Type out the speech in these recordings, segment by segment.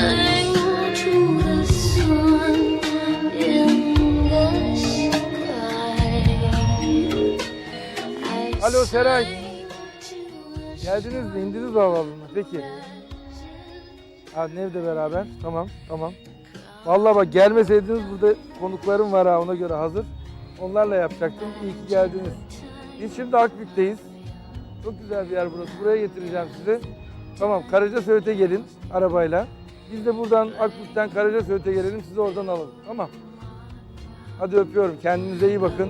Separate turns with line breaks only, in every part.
Alo Seray. Geldiniz mi? İndiniz mi havaalanına? Peki. Ha, evde beraber. Tamam, tamam. Vallahi bak gelmeseydiniz burada konuklarım var ha ona göre hazır. Onlarla yapacaktım. İyi ki geldiniz. Biz şimdi Akbük'teyiz. Çok güzel bir yer burası. Buraya getireceğim sizi. Tamam, Karacasöğüt'e gelin arabayla. Biz de buradan Akbük'ten Karacasöğüt'e gelelim. Sizi oradan alalım. Tamam. Hadi öpüyorum. Kendinize iyi bakın.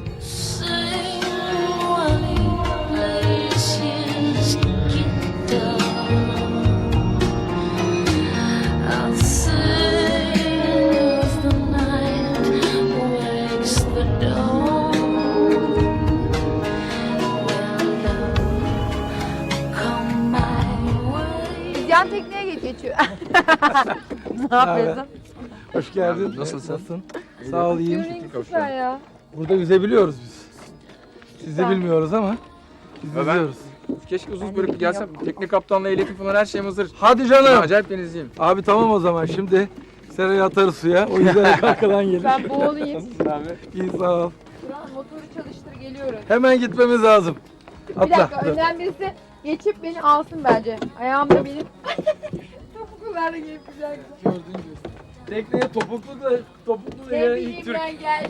Yan tekneye geçiyor. Ne yapıyorsun?
Hoş geldin.
Nasılsın?
Sağ ol, iyiyim.
Süper ya.
Burada yüzebiliyoruz biz. Siz de bilmiyoruz ama biz
Ben-
yüzüyoruz.
Keşke uzun bölüp gelsem. Tekne kaptanla ehliyetim falan her şeyim hazır.
Hadi
Ben
canım.
acayip denizciyim.
Abi tamam o zaman şimdi Seray'ı atarız suya. O yüzden arkadan gelir.
Ben boğulayım.
Abi.
İyi sağ ol.
Turan motoru çalıştır geliyorum.
Hemen gitmemiz lazım.
Bir dakika
Atla.
önden birisi geçip beni alsın bence. Ayağımda benim. Topuklular da gelip güzel güzel.
Gördün mü? Tekneye topuklu da
Ne
ya,
bileyim
ilk Türk.
ben geldim.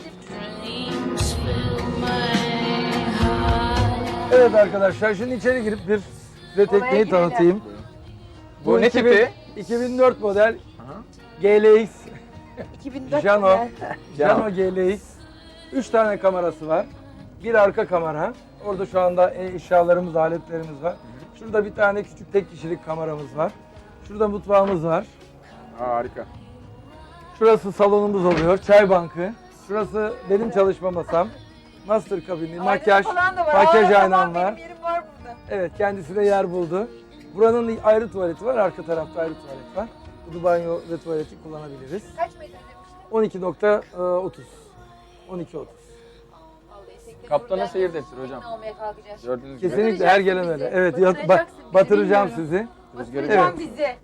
Evet arkadaşlar şimdi içeri girip bir size tekneyi
girelim.
tanıtayım.
Bu ne tipi?
2004 model
Aha.
GLX
2004
Jano.
model.
Jano GLX. 3 tane kamerası var. Bir arka kamera. Orada şu anda eşyalarımız, aletlerimiz var. Şurada bir tane küçük tek kişilik kameramız var. Şurada mutfağımız var.
Harika.
Şurası salonumuz oluyor. Çay bankı. Şurası benim çalışma masam. Master kabini, makyaj,
falan da var.
makyaj
Aa,
aynam
tamam,
var.
Benim yerim var burada.
Evet, kendisi de yer buldu. Buranın ayrı tuvaleti var, arka tarafta ayrı tuvalet var. Bu banyo ve tuvaleti kullanabiliriz.
Kaç metre demiştin?
12.30. 12.30.
Kaptana seyir defteri hocam.
Almaya kalkacağız.
Gördüğünüz gibi.
Kesinlikle her gelen öyle. Evet,
Batıracaksın bizi,
batıracağım
bilmiyorum.
sizi.
Rüzgarı
Evet.
Bizi.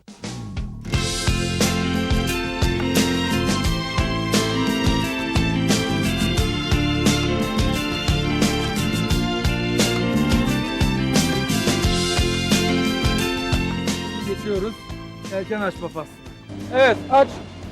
Geçiyoruz. Yelken açma faslına. Evet, aç.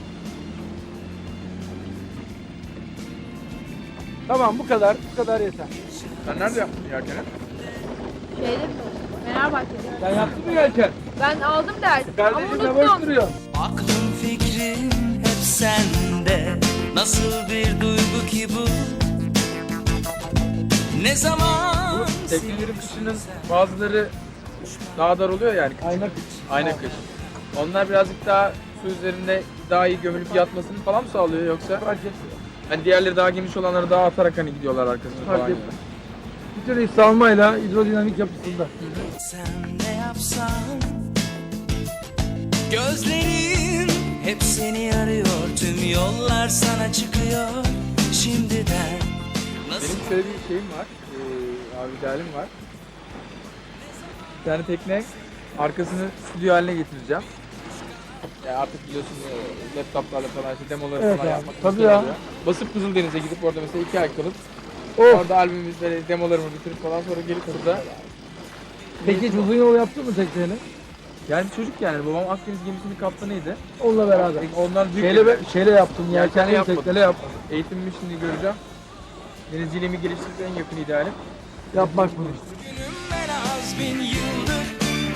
Tamam, bu kadar. Bu kadar yeter.
Sen nerede yaptın yelkeni?
Şeyde mi? Fenerbahçe'de.
Sen yaptın mı yelken?
Ben aldım dersi ama
Kardeşim ne boş
unuttum.
duruyor.
Aklım fikrim hep sende. Nasıl bir duygu ki bu? Ne zaman?
Teknelerin kışının bazıları daha dar oluyor yani.
Ayna
Ayna kış. Onlar birazcık daha su üzerinde daha iyi gömülüp yatmasını falan mı sağlıyor yoksa?
fark etmiyor.
Hani diğerleri daha geniş olanları daha atarak hani gidiyorlar arkasına
Fark
falan.
etmez. Bir tür salmayla hidrodinamik yapısında.
Sen ne yapsan? Gözlerin hep seni arıyor. Tüm yollar sana çıkıyor. Şimdiden nasıl?
Benim şöyle bir şeyim var. Abi idealim var. Bir tane tekne arkasını stüdyo haline getireceğim. Ya artık biliyorsun laptoplarla falan işte demoları
Evet
falan
abi,
yapmak
tabii
güzel
ya.
oluyor. Basıp Kızıldeniz'e gidip orada mesela 2 ay kalıp
Of.
orada albümümüz böyle demolarımı bitirip falan sonra gelip burada.
Peki hiç uzun yol yaptın mı tekneyle?
Yani bir çocuk yani babam Akdeniz gemisinin kaptanıydı.
Onunla beraber.
Ondan büyük
Şeyle yaptım,
Yelkenle
yelkenli
yapmadım.
tekneyle yaptım.
eğitimimi şimdi göreceğim. Denizciliğimi geliştirip en yakın idealim.
Yapmak bunu işte.
Günüm en az 1000 yıldır.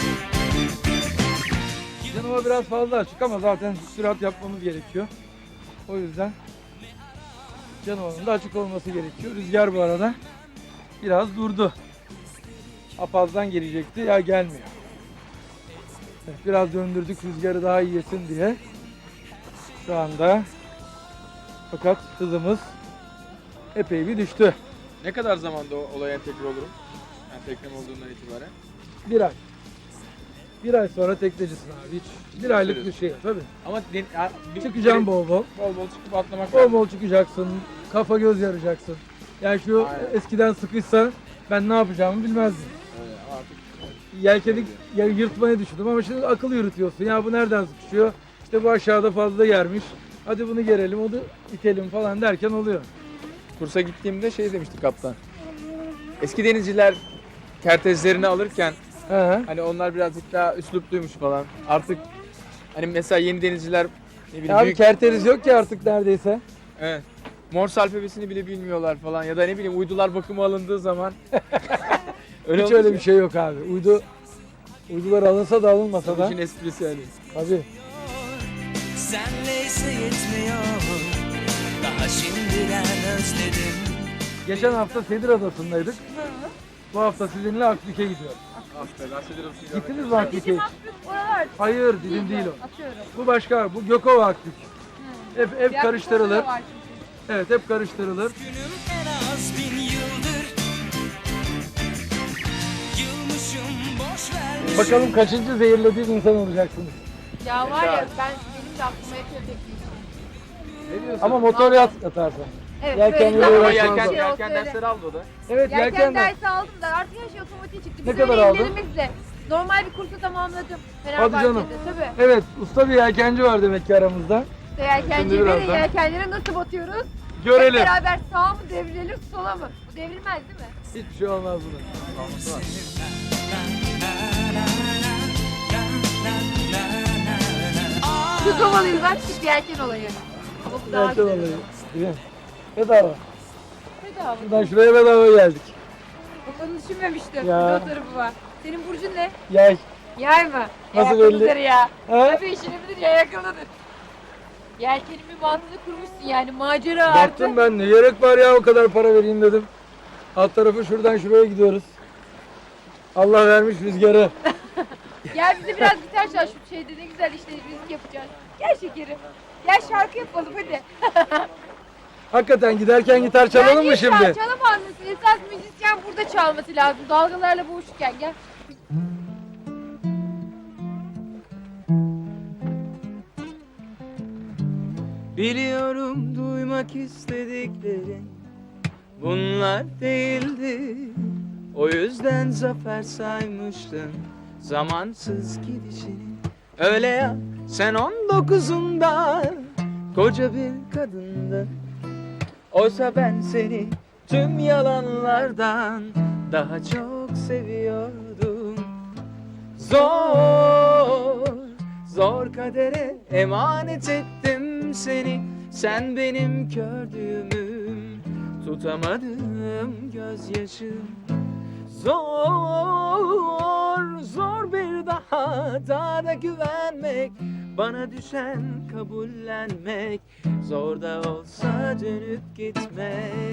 Canıma biraz fazla açık ama zaten sürat yapmamız gerekiyor. O yüzden Canoa'nın da açık olması gerekiyor. Rüzgar bu arada biraz durdu. Apazdan gelecekti ya gelmiyor. Evet, biraz döndürdük rüzgarı daha iyi yesin diye. Şu anda fakat hızımız epey bir düştü.
Ne kadar zamanda o olaya entegre olurum? Yani teknem olduğundan itibaren.
Bir ay. Bir ay sonra teknecisin abi. Hiç bir aylık bir şey tabii.
Ama
Çıkacaksın bol bol.
bol bol çıkıp atlamak
Bol
lazım.
bol çıkacaksın. Kafa göz yarayacaksın. Yani şu
Aynen.
eskiden sıkışsa ben ne yapacağımı bilmezdim.
Öyle, artık
Yelkeni yırtmayı düşündüm ama şimdi akıl yürütüyorsun. Ya bu nereden sıkışıyor? İşte bu aşağıda fazla yermiş. Hadi bunu gerelim, onu itelim falan derken oluyor.
Kursa gittiğimde şey demişti kaptan. Eski denizciler kertezlerini alırken
He.
hani onlar birazcık daha üslupluymuş falan. Artık hani mesela yeni denizciler ne bileyim
Abi
büyük,
kerteriz yok ki artık neredeyse.
evet, Morse alfabesini bile bilmiyorlar falan ya da ne bileyim uydular bakıma alındığı zaman öyle
Hiç öyle bir şey yok abi. Uydular alınsa da alınmasa da.
İşin esprisi yani.
Tabii.
Senleyse yetmiyor. Daha şimdiden özledim.
Geçen hafta Sedir Adası'ndaydık. Bu hafta sizinle Akbük'e gidiyoruz.
Aferin, bahsediyorum size.
Gittiniz mi Akbük'e? hiç?
Oralar.
Hayır, bizim değil o.
Atıyorum.
Bu başka, bu Gökova Akbük. Hep
Diğer
karıştırılır.
konuda da var çünkü.
Evet, hep karıştırılır.
Günüm en az 1000 yıldır. Yılmışım boş vermişim.
Bakalım kaçıncı zehirlediğim insan olacaksınız.
Ya var ya benim de aklıma yatıyor tek bir şey.
Ne diyorsun?
Ama motor yatarsan.
Evet,
Yelken
böyle
yolu
Ama
uğraşmaz
yelken,
o.
yelken dersleri aldı o da.
Evet,
Yelken
yelken de.
dersi aldım da artık her şey otomatik çıktı.
Ne
Biz
kadar
öyle
aldın?
ellerimizle normal bir kursu tamamladım. Fenerbahçe'de
canım.
tabii.
Evet, usta bir yelkenci var demek ki aramızda.
İşte yelkenciyle
Şimdi birazdan.
yelkenlere nasıl batıyoruz? Hep
Görelim.
beraber sağa mı devrilelim sola mı? Bu devrilmez değil mi?
Hiçbir şey olmaz buna.
Çok havalıyız bak küçük bir yelken olayı. Ama bu daha
Yelken
güzel.
olayı. Değil mi? Bedava.
Bedava.
Buradan şuraya bedava geldik.
Bak onu düşünmemiştim.
Ya.
Bir de o tarafı var. Senin burcun ne?
Yay.
Yay mı?
Nasıl
Yakınıdır
belli?
ya.
Ha?
Tabii işini bilir ya yakınıdır. Yelkenimin mantığını kurmuşsun yani macera artı.
Baktım ben ne gerek var ya o kadar para vereyim dedim. Alt tarafı şuradan şuraya gidiyoruz. Allah vermiş rüzgarı.
Gel bize biraz gitar çal şu şeyde ne güzel işte müzik yapacağız. Gel şekerim. Gel şarkı yapalım hadi.
Hakikaten giderken gitar çalalım
Bence
mı şimdi?
Çalamaz mısın? Esas müzisyen burada çalması lazım. Dalgalarla boğuşurken gel.
Biliyorum duymak istediklerin bunlar değildi. O yüzden zafer saymıştın zamansız gidişini. Öyle ya sen 19'unda koca bir kadındın. Oysa ben seni tüm yalanlardan daha çok seviyordum. Zor, zor kadere emanet ettim seni. Sen benim kördüğümüm, tutamadığım gözyaşım. Zor, zor bir daha da güvenmek. Bana düşen kabullenmek. Zor da olsa dönüp gitmek.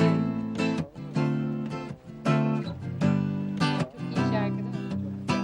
Çok iyi şarkı değil mi?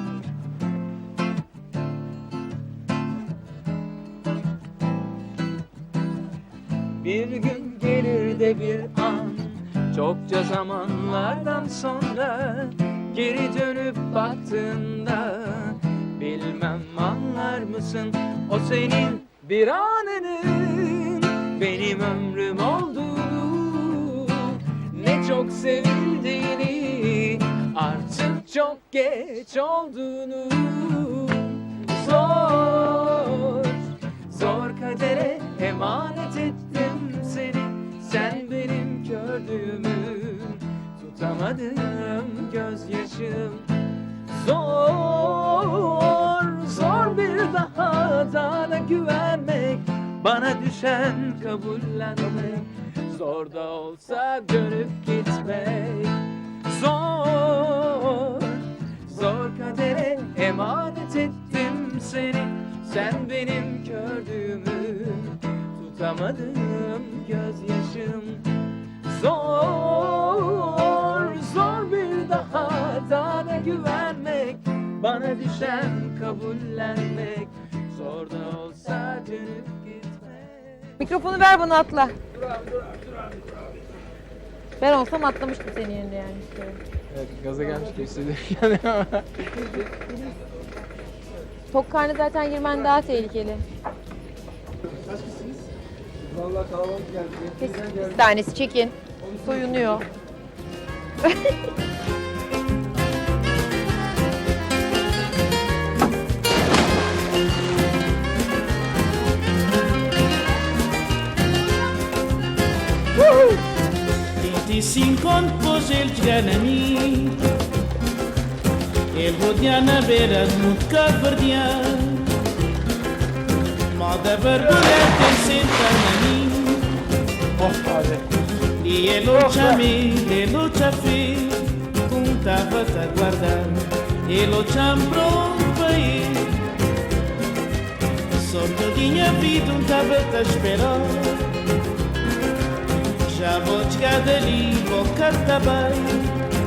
Bir gün gelir de bir an, çokça zamanlardan sonra geri dönüp baktığında bilmem anlar mısın o senin bir anının benim ömrüm olduğunu, ne çok sevildiğini, artık çok geç olduğunu. Zor, zor kadere emanet ettim seni. Sen benim kördüğümü, tutamadığım gözyaşım. Zor, zor bir daha da güvenmek. Bana düşen kabullenmek. Zor da olsa dönüp gitmek. Zor, zor kadere emanet ettim seni. Sen benim kördüğümü, tutamadığım gözyaşım. Zor, zor bir daha da güvenmek. Bana düşen kabullenmek. Zor da olsa dönüp gitmek.
Mikrofonu ver bana atla. Ben olsam atlamıştım senin yerine yani. işte.
Evet, gaza gelmiş gibi hissediyorum yani.
Tok karnı zaten girmen daha tehlikeli.
Vallahi kalabalık geldi.
Bir tanesi çekin. Soyunuyor.
se encontro depois ele chegar a mim. Ele rodear na beira do mundo caverdear. Mal da barulha tem sentar na mim.
Oh abi.
E ele o chamei, ele o chafei. Contava-te a guardar. Ele o chambrou para ir. Só que eu tinha vida, tava-te a esperar. Já vou chegar dali, vou cantar bem.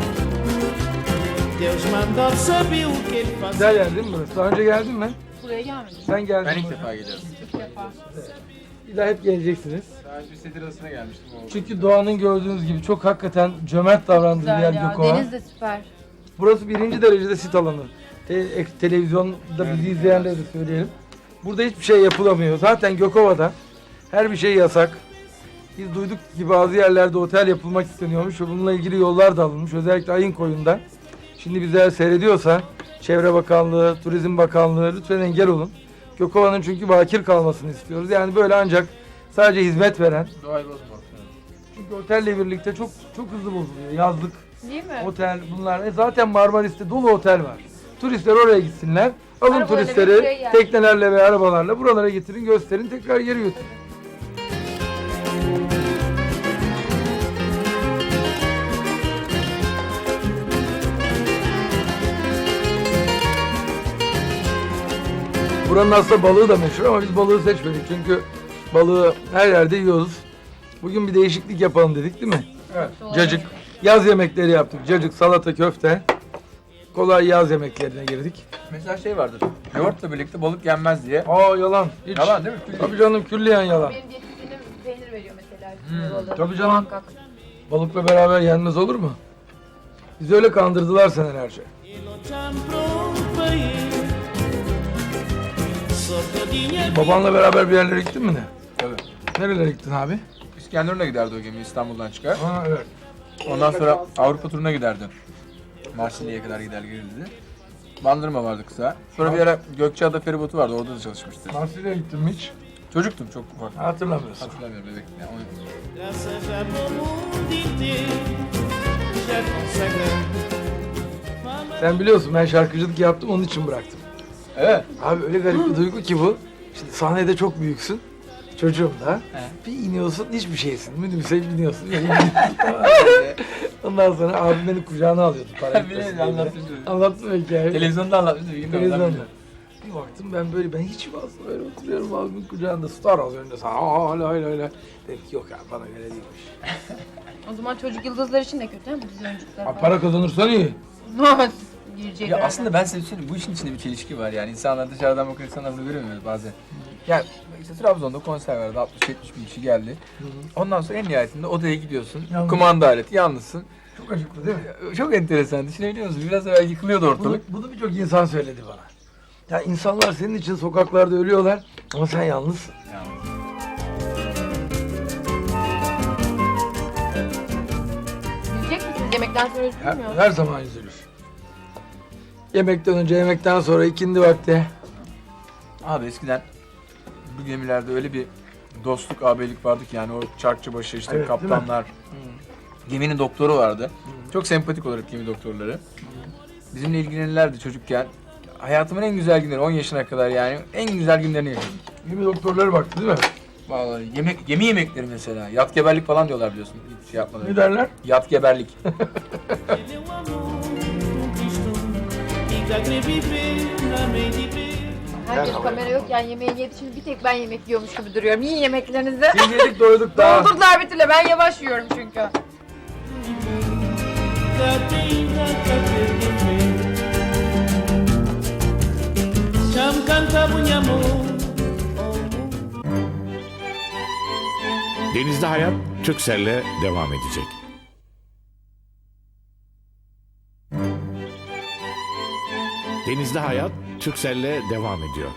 Deus mandou saber o que ele faz.
Güzel yer değil mi burası? Daha önce geldin mi?
Buraya gelmedim.
Sen geldin
Ben
mi?
ilk defa geliyorum.
İlk defa.
Bir daha hep geleceksiniz.
Sadece bir sedir arasına gelmiştim. O.
Çünkü doğanın gördüğünüz gibi çok hakikaten cömert davrandığı bir yer
Güzel ya.
Gökova.
Deniz de süper.
Burası birinci derecede sit alanı. Televizyonda bizi izleyenlere de söyleyelim. Burada hiçbir şey yapılamıyor. Zaten Gökova'da her bir şey yasak. Biz duyduk ki bazı yerlerde otel yapılmak isteniyormuş ve bununla ilgili yollar da alınmış. Özellikle Ayınkoyun'da. Şimdi bizler seyrediyorsa Çevre Bakanlığı, Turizm Bakanlığı lütfen engel olun. Gökova'nın çünkü bakir kalmasını istiyoruz. Yani böyle ancak sadece hizmet veren.
Doğayı bozmak.
Çünkü otelle birlikte çok hızlı bozuluyor. Yazlık,
Değil mi?
otel bunlar. Zaten Marmaris'te dolu otel var. Turistler oraya gitsinler. Alın
Arabalarla
turistleri
bir şey yer.
teknelerle ve arabalarla buralara getirin, gösterin, tekrar geri götürün. Buranın aslında balığı da meşhur ama biz balığı seçmedik çünkü balığı her yerde yiyoruz. Bugün bir değişiklik yapalım dedik değil mi? Evet. Cacık. Yaz yemekleri yaptık. Cacık, salata, köfte. Kolay yaz yemeklerine girdik.
Mesela şey vardır. Yoğurtla birlikte balık yenmez diye.
Aa yalan. Hiç.
Yalan değil mi? Külli.
Tabii canım külliyen yalan.
Benim diyetisyenim peynir veriyor mesela. üstüne balığı.
Tabii canım.
Muhakkak.
Balıkla beraber yenmez olur mu? Bizi öyle kandırdılar senelerce.
Ele o chambrou para ir. Só que eu tinha vida.
Babanla beraber bir yerlere gittin mi ne?
Tabii.
Nerelere gittin abi?
İskenderun'a giderdi o gemi İstanbul'dan çıkar.
Aa evet.
Ondan sonra Avrupa turuna giderdi. Marsilya'ya kadar gider gelirdi. Bandırma vardı kısa. Sonra bir ara Gökçeada feribotu vardı, orada da çalışmıştı.
Marsilya'ya gittin mi hiç?
Çocuktum, çok ufak.
Hatırlamıyorsun.
Hatırlamıyorum, bebektim yani.
Graças a ao mundo inteiro já consagrado.
Sen biliyorsun ben şarkıcılık yaptım onun için bıraktım.
Evet.
Abi öyle garip bir duygu ki bu. Şimdi sahnede çok büyüksün. Çocuğum da. Bir iniyorsun hiçbir şeysin. Minibüse biniyorsun. Ondan sonra abim beni kucağına alıyordu. Para gitmesin diye. Anlattım o hikayeyi.
Televizyonda anlatmıştım.
Televizyonda. Bir baktım ben hiç aslında böyle oturuyorum abimin kucağında. Star az önünde sana hala öyle. Dedim ki yok abi bana göre değilmiş.
O zaman çocuk yıldızlar için de kötü ha bu dizi oyuncuları
Abi para kazanırsan iyi.
falan. Girecekler.
Ya aslında ben size söyleyeyim, bu işin içinde bir çelişki var yani. İnsanlar dışarıdan bakan insanlar bunu göremiyor bazen. Yani işte Trabzon'da konser vardı, 60-70 bin kişi geldi. Ondan sonra en nihayetinde odaya gidiyorsun,
Yalnız.
kumanda aleti, yalnızsın.
Çok acıklı değil mi?
Çok enteresan, düşünebiliyor musun? Biraz evvel yıkılıyordu ortalık.
Bunu birçok insan söyledi bana. Ya insanlar senin için sokaklarda ölüyorlar ama sen yalnızsın.
Üzülecek misiniz? Yemekten sonra üzülür mü?
Her zaman üzülür. Yemekten önce, yemekten sonra, ikindi vakti.
Abi eskiden bu gemilerde öyle bir dostluk, abilik vardı ki yani o çarkçıbaşı işte
Evet,
kaptanlar. Geminin doktoru vardı. Çok sempatik olarak gemi doktorları. Bizimle ilgilenirlerdi çocukken. Hayatımın en güzel günleri, 10 yaşına kadar yani en güzel günlerini yaşadım.
Gibi doktorları baktı değil mi?
Vallahi gemi yemekleri mesela. Yat geberlik falan diyorlar biliyorsun. Hiç şey yapmadan.
Ne derler?
Yat geberlik.
Ele o amor conquistou. Fica querer viver na meio de ver.
Herkes kamera yok yani yemeğe yedi. Şimdi bir tek ben yemek yiyormuş gibi duruyorum. Yiyin yemeklerinizi.
Biz yedik doyduk daha.
Doldurdular bir türlü. Ben yavaş yiyorum çünkü.
Cham canta bunha amor.
Denizde Hayat Türkcell'le devam edecek. Denizde Hayat Türkcell'le devam ediyor.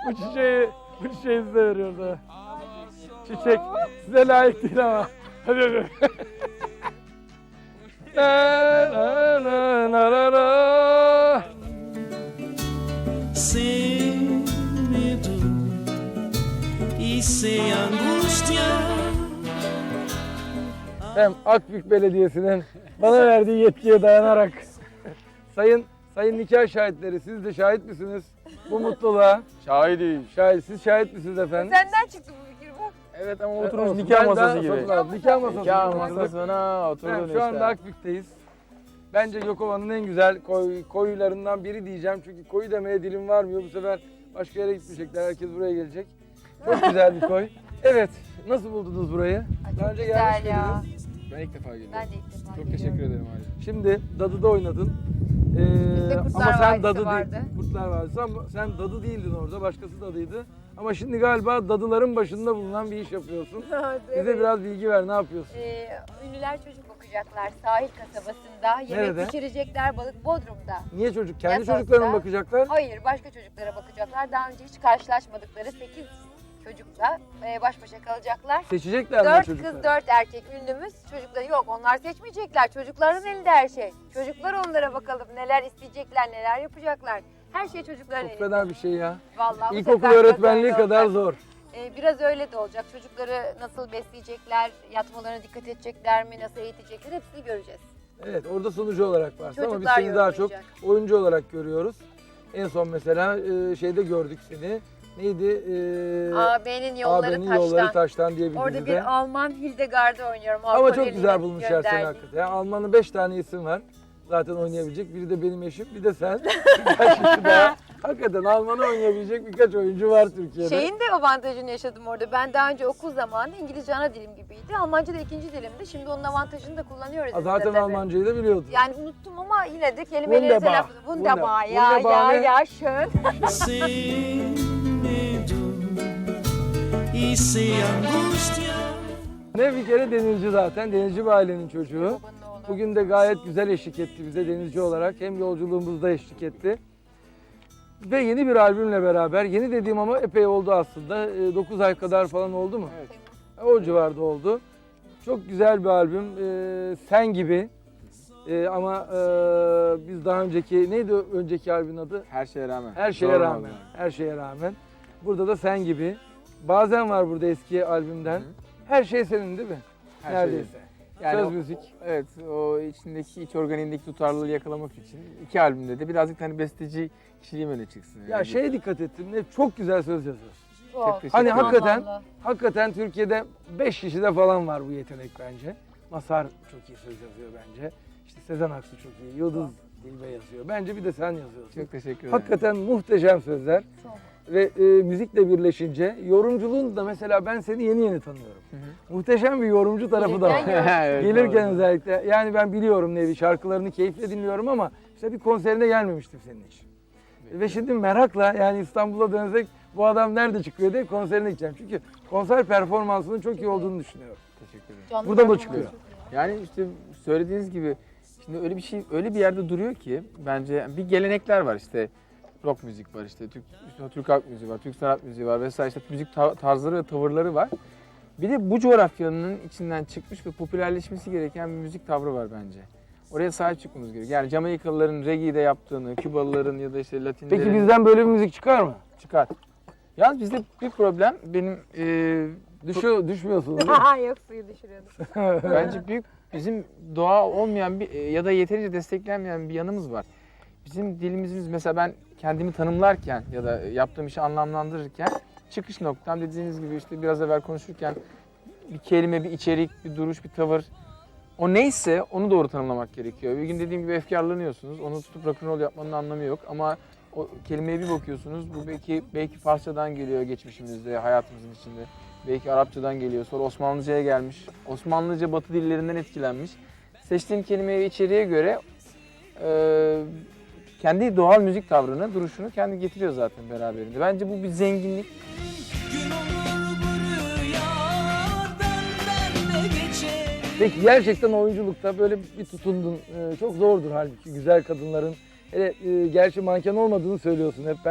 Bu çiçeği size veriyoruz ha. Çiçek size layık değil ama. Hadi hadi. Na, na, na, na, na.
Sem medo e sem angústia.
Hem Akbük Belediyesi'nin bana verdiği yetkiye dayanarak sayın nikah şahitleri, siz de şahit misiniz bu mutluluğa?
Şahidim.
Siz şahit misiniz efendim?
Senden çıktı bu fikir bak.
Evet ama
Olsun.
oturmuş nikah
Ben
masası
daha
gibi.
sonra- Nikah masası.
Nikah
gibi oturduk.
masasına oturdun
Ben
işte.
şu anda Akbük'teyiz. Bence Gökova'nın en güzel koylarından biri diyeceğim. Çünkü koyu demeye dilim varmıyor. Bu sefer başka yere gitmeyecekler. Herkes buraya gelecek. Çok güzel bir koy. Evet. Nasıl buldunuz burayı?
Ay,
Daha
çok
önce
güzel
gelmiş
ya.
miydiniz?
Ben ilk defa geliyorum.
Ben de ilk defa
Çok
geliyorum.
teşekkür ederim abi.
Şimdi Dadı'da oynadın.
Bizde Kurtlar
Ama sen
Vadisi
Dadı
vardı.
değil. Kurtlar Vadisi ama sen Dadı değildin orada. Başkası Dadı'ydı. Ama şimdi galiba Dadıların başında bulunan bir iş yapıyorsun. Bize biraz bilgi ver. Ne yapıyorsun?
Ünlüler çocuk bakacaklar sahil kasabasında. Yemek
Nerede?
pişirecekler balık Bodrum'da.
Niye çocuk? Kendi
Yasakta.
çocuklarına mı bakacaklar?
Hayır, başka çocuklara bakacaklar. Daha önce hiç karşılaşmadıkları 8 çocukla baş başa kalacaklar.
Seçecekler mi
4
çocukları?
kız 4 erkek ünlümüz. Çocukları yok, onlar seçmeyecekler. Çocukların elinde her şey. Çocuklar onlara bakalım neler isteyecekler, neler yapacaklar. Her şey çocukların
Çok
elinde.
fena bir şey ya.
Vallahi bu
İlkokul
sefer biraz
öğretmenliği
öyle
kadar
olacak.
zor.
Biraz öyle de olacak. Çocukları nasıl besleyecekler, yatmalarına dikkat edecekler mi, nasıl eğitecekler hepsini göreceğiz.
Evet, orada sunucu olarak varsın ama biz
Çocuklar
seni daha çok
yorumlayacak.
oyuncu olarak görüyoruz. En son mesela şeyde gördük seni. Neydi?
AB'nin yolları
AB'nin
taştan.
Yolları Taştan diye bir
Orada
dizide.
bir Alman Hildegard'ı oynuyorum.
Ama
Avrupa
çok
Birliği'ne
güzel bulmuşlar seni
gönderdik.
hakikaten. Yani Alman'ın 5 tane isim var. Zaten oynayabilecek. Biri de benim eşim, bir de sen. Birkaç kişi daha. Hakikaten Alman'ı oynayabilecek birkaç oyuncu var Türkiye'de.
Şeyin de avantajını yaşadım orada. Ben daha önce okul zamanında İngilizce ana dilim gibiydi. Almanca da ikinci dilimdi. Şimdi onun avantajını da kullanıyoruz. biz de
Zaten
tabii.
Almancayı da biliyordun.
Yani unuttum ama yine de kelimeleri
Wunderbar.
telaffuz. Wunderbar.
Wunderbar ne?
Ya schön.
Sem medo e sem angústia.
Ne bir kere denizci zaten. Denizci bir ailenin çocuğu.
Babanın oğlu.
Bugün de gayet güzel eşlik etti bize denizci olarak. Hem yolculuğumuzda eşlik etti. Ve yeni bir albümle beraber, yeni dediğim ama epey oldu aslında. 9 ay kadar falan oldu mu?
Evet.
O civarda oldu. Çok güzel bir albüm. Sen gibi. Ama biz daha önceki, neydi önceki albümün adı?
Her şeye rağmen.
Her şeye
Zor
rağmen.
vallahi.
Her şeye rağmen. Burada da sen gibi. Bazen var burada eski albümden.
Hı.
Her şey senin değil mi?
Her
Neredeyse.
şey. Yani
Söz
o-
müzik.
Evet, o içindeki iç organiğindeki tutarlılığı yakalamak için iki albümde de birazcık hani besteci kişiliğim öne çıksın.
Ya şeye dikkat ettim. Çok güzel söz yazıyorsun.
Çok.
teşekkür
Hani
ederim.
hakikaten,
Vallahi.
hakikaten Türkiye'de 5 kişide falan var bu yetenek bence. Mazhar çok iyi söz yazıyor bence. İşte Sezen Aksu çok iyi. Yıldız Dilbe yazıyor. Bence bir de sen yazıyorsun.
Çok teşekkür ederim.
Hakikaten muhteşem sözler.
Çok.
Ve müzikle birleşince yorumculuğun da mesela ben seni yeni tanıyorum.
Hı
Muhteşem bir yorumcu tarafı da var.
Gelirken
Evet,
Gelirken
doğru.
özellikle yani ben biliyorum Nevi şarkılarını keyifle dinliyorum ama işte bir konserine gelmemiştim senin için. Ve şimdi merakla yani İstanbul'a dönsek bu adam nerede çıkıyor diye konserine gideceğim. Çünkü konser performansının çok iyi olduğunu düşünüyorum.
Teşekkür ederim.
Canlı
Burada mı
performans
çıkıyor?
çok iyi.
Yani işte söylediğiniz gibi şimdi öyle bir şey öyle bir yerde duruyor ki bence bir gelenekler var işte rock müzik var işte Türk halk müziği var, Türk sanat müziği var vesaire işte müzik tarzları ve tavırları var. Bir de bu coğrafyanın içinden çıkmış ve popülerleşmesi gereken bir müzik tavrı var bence. Oraya sahip çıkmamız gerekiyor. Yani Jamaikalıların reggae'de yaptığını, Kübalıların ya da işte Latinlerin
Peki bizden böyle bir müzik çıkar mı?
çıkar. Yalnız bizde bir problem benim
Düşmüyorsunuz değil mi?
Yok suyu düşürüyordum.
bence büyük bizim doğa olmayan bir ya da yeterince desteklenmeyen bir yanımız var. Bizim dilimizimiz mesela ben kendimi tanımlarken ya da yaptığım işi anlamlandırırken çıkış noktam dediğiniz gibi işte biraz evvel konuşurken bir kelime, bir içerik, bir duruş, bir tavır o neyse onu doğru tanımlamak gerekiyor. Bir gün dediğim gibi efkarlanıyorsunuz. Onu tutup rock'n'roll yapmanın anlamı yok ama o kelimeye bir bakıyorsunuz. Bu belki Farsçadan geliyor geçmişimizde, hayatımızın içinde. Belki Arapçadan geliyor. Sonra Osmanlıca'ya gelmiş. Osmanlıca Batı dillerinden etkilenmiş. Seçtiğim kelimeye ve içeriğe göre kendi doğal müzik tavrını, duruşunu kendi getiriyor zaten beraberinde. Bence bu bir zenginlik.
Gün olur bu rüya benden de geçer.
Peki gerçekten oyunculukta böyle bir tutundun. Çok zordur halbuki güzel kadınların. Hele gerçi manken olmadığını söylüyorsun hep. Ben hiç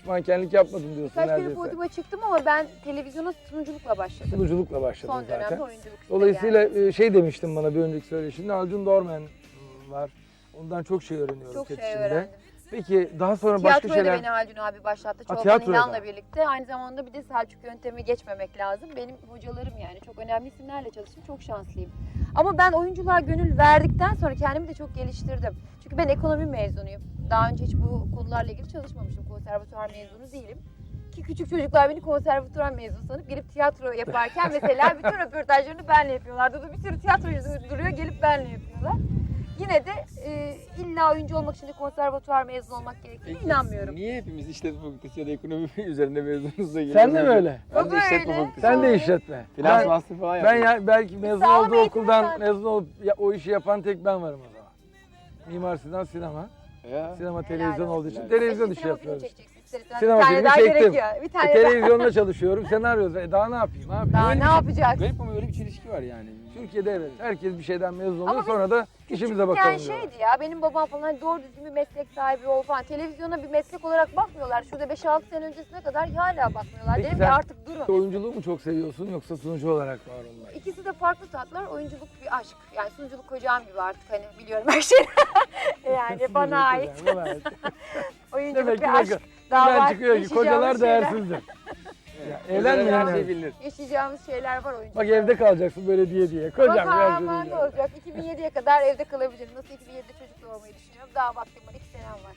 hiç mankenlik yapmadım diyorsun
Birkaç kere
neredeyse.
podyuma çıktım ama ben televizyona sunuculukla başladım.
Sunuculukla başladın
Son dönemde
zaten.
oyunculuk işte
Dolayısıyla
yani.
şey demiştin bana bir önceki söyleşinde, Acun Dorman var. Ondan çok şey öğreniyoruz
Çok
set
şey
içinde.
öğrendim.
Peki daha sonra başka
Tiyatroya da
şeyler...
beni Haldun abi başlattı.
Ha,
Çolpan
tiyatroya
İlhan'la
da.
birlikte. Aynı zamanda bir de Selçuk yöntemi geçmemek lazım. Benim hocalarım yani. Çok önemli isimlerle çalıştım. Çok şanslıyım. Ama ben oyunculuğa gönül verdikten sonra kendimi de çok geliştirdim. Çünkü ben ekonomi mezunuyum. Daha önce hiç bu konularla ilgili çalışmamıştım. Konservatuvar mezunu değilim. Ki küçük çocuklar beni konservatuvar mezunu sanıp gelip tiyatro yaparken mesela bütün röportajlarını benle yapıyorlar. Burada bir sürü tiyatrocu duruyor, gelip benle yapıyorlar. Yine de illa oyuncu olmak için de konservatuvar mezunu olmak gerektiğine inanmıyorum.
Niye hepimiz işletme fakültesi ya da ekonomi üzerinde mezunuz da geliyoruz?
Sen de mi öyle?
Ben de
O
işletme
böyle.
fakültesi.
Sen de işletme.
Finans
Ben,
master falan
ben
yapıyorum.
ya belki mezun
Sağlam
olduğu
eğitim
okuldan
zaten.
mezun olup o işi yapan tek ben varım o zaman. Mimar Sinan sinema.
Ya.
Sinema
Helal
televizyon
olsun.
olduğu için
Helal.
televizyon
Sinema
işi
filmi
yapıyoruz.
çekeceksin. İster
Sinema
bir tane
filmi
daha
çektim.
gerekiyor. Bir tane daha.
Televizyonda çalışıyorum, senaryo. Daha ne yapayım abi?
Daha
Öyle
ne
bir şey-
yapacaksın?
Garip ama öyle bir çelişki var yani.
Türkiye'de evet. Herkes bir şeyden mezun oluyor,
Ama biz
sonra da işimize bakalım
Yani
diyorlar.
şeydi ya, benim babam falan hani doğru düzgün bir meslek sahibi ol falan. Televizyona bir meslek olarak bakmıyorlar. Şurada 5-6 sene öncesine kadar hala bakmıyorlar.
Peki
Dedim
sen-
ki artık durun.
Oyunculuğu mu çok seviyorsun yoksa sunucu olarak var onlar?
İkisi de farklı tatlar. Oyunculuk bir aşk. Yani sunuculuk kocam gibi artık hani biliyorum her şeyi. Yani bana ait. Oyunculuk
Demek ki
bir aşk.
bakın,
Daha
ben
var.
çıkıyor ki
Yaşayacağımız
kocalar
şeyler-
değersizdir. Ya,
Evlenme
evlenmeyin
her şey
yani.
bilinir.
Yaşayacağımız şeyler var oyunculuk.
Bak evde kalacaksın böyle diye. Kocam
Bak
ya
aman ne olacak? 2007'ye kadar evde kalabilirim. Nasıl 2007'de çocuk doğurmayı düşünüyorum. Daha vaktim var. 2 senem var.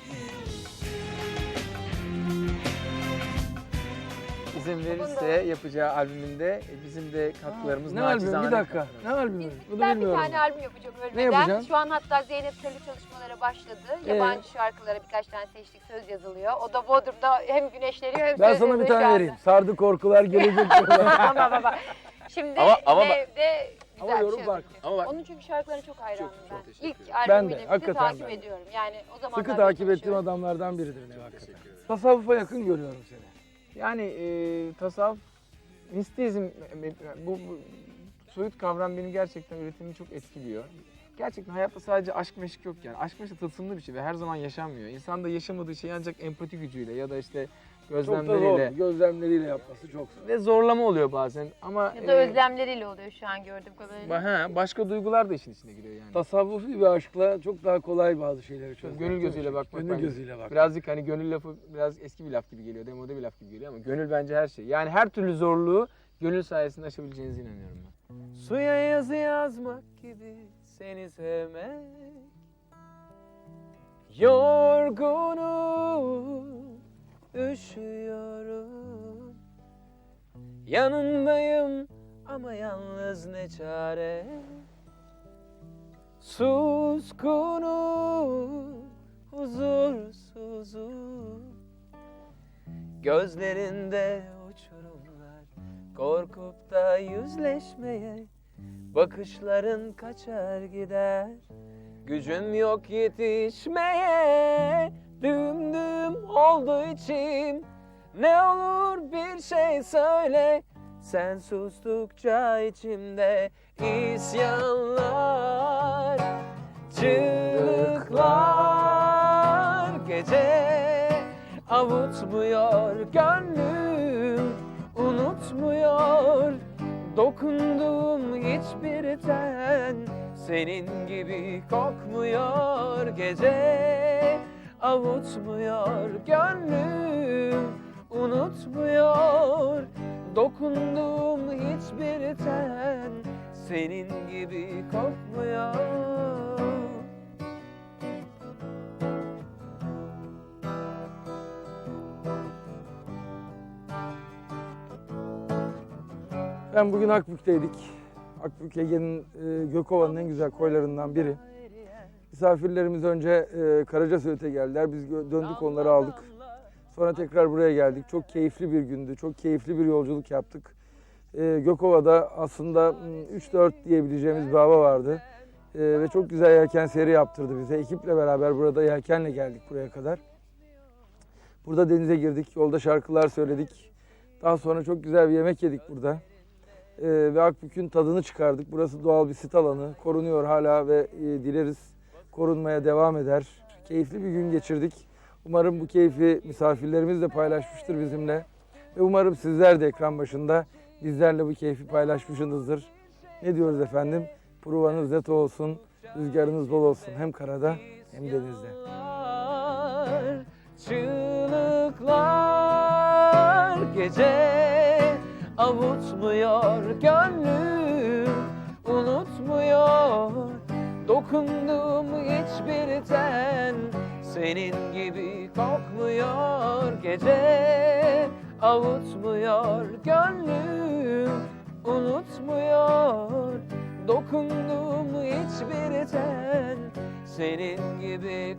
İzin verirse yapacağı albümünde bizim de katkılarımız
Ne albümü?
naçizane
Bir dakika.
katkılarımız.
Ne albümü? Bunu
Ben bir
bilmiyorum.
tane albüm yapacağım
Ne
ölmeden.
yapacaksın?
Şu an hatta Zeynep Telli çalışmalara başladı. Yabancı şarkılara birkaç tane seçtik, söz yazılıyor. O da Bodrum'da hem güneşleniyor hem
Ben
söz
sana bir
yazıyor
tane
şu anda.
vereyim. Sardı korkular gelecek diyorlar.
Baba. Şimdi
Ama bak-
evde
Ama
güzel bir
yorum
şey
farklı.
olacak.
Ama bak-
Onun çünkü şarkılarına çok hayranım
çok
ben.
teşekkür
İlk
ederim.
Ben de,
albümüyle birlikte
hakikaten
takip
ben de.
ediyorum. Yani o zamanlar
Sıkı takip ettiğim
çalışıyorum.
adamlardan biridir ne hakikaten. Tasavvufa yakın görüyorum seni.
Yani tasavvuf, mistizm, bu soyut kavram benim gerçekten üretimimi çok etkiliyor. Gerçekten hayatta sadece aşk meşk yok yani. Aşk meşk tılsımlı bir şey ve her zaman yaşanmıyor. İnsan da yaşamadığı şeyi ancak empati gücüyle ya da işte
Çok da zor.
gözlemleriyle
Gözlemleriyle yapması çok zor.
ve zorlama oluyor bazen ama
Ya da özlemleriyle oluyor şu an gördüğüm kadarıyla.
başka duygular da işin içine giriyor yani.
Tasavvufi bir aşkla çok daha kolay bazı şeyleri çözmek.
Gönül gözüyle bakmak.
Gönül
bence.
gözüyle bak.
Birazcık hani gönül lafı biraz eski bir laf gibi geliyor, demode bir laf gibi geliyor ama gönül bence her şey. Yani her türlü zorluğu gönül sayesinde aşabileceğinize inanıyorum ben. Suya yazı yazmak gibi seni sevmek, yorgunum, üşüyorum, yanındayım ama yalnız ne çare. Suskunum, huzursuzum, gözlerinde uçurumlar, korkup da yüzleşmeye, bakışların kaçar gider, gücüm yok yetişmeye, düm düm oldu içim, ne olur bir şey söyle, sen sustukça içimde isyanlar, çığlıklar, gece avutmuyor gönlüm, unutmuyor dokunduğum hiçbir ten, senin gibi kokmuyor gece, avutmuyor gönlüm, unutmuyor dokunduğum hiçbir ten, senin gibi kokmuyor.
Ben bugün Akbük'teydik. Akbük Ege'nin Gökova'nın en güzel koylarından biri. Misafirlerimiz önce Karacasöğüt'e geldiler. Biz döndük onları aldık. Sonra tekrar buraya geldik. Çok keyifli bir gündü. Çok keyifli bir yolculuk yaptık. Gökova'da aslında 3-4 diyebileceğimiz bir hava vardı. Ve çok güzel yelken seyri yaptırdı bize. Ekiple beraber burada yelkenle geldik buraya kadar. Burada denize girdik. Yolda şarkılar söyledik. Daha sonra çok güzel bir yemek yedik burada. Ve Akbük'ün tadını çıkardık. Burası doğal bir sit alanı. Korunuyor hala ve dileriz korunmaya devam eder. Keyifli bir gün geçirdik. Umarım bu keyfi misafirlerimiz de paylaşmıştır bizimle. Ve umarım sizler de ekran başında bizlerle bu keyfi paylaşmışsınızdır. Ne diyoruz efendim? Provanız net olsun, rüzgarınız bol olsun. Hem karada hem denizde.
Çığlıklar gece avutmuyor gönlüm, unutmuyor dokunduğum hiçbir ten, senin gibi kokmuyor gece, avutmuyor gönlüm, unutmuyor dokunduğum hiçbir ten, senin gibi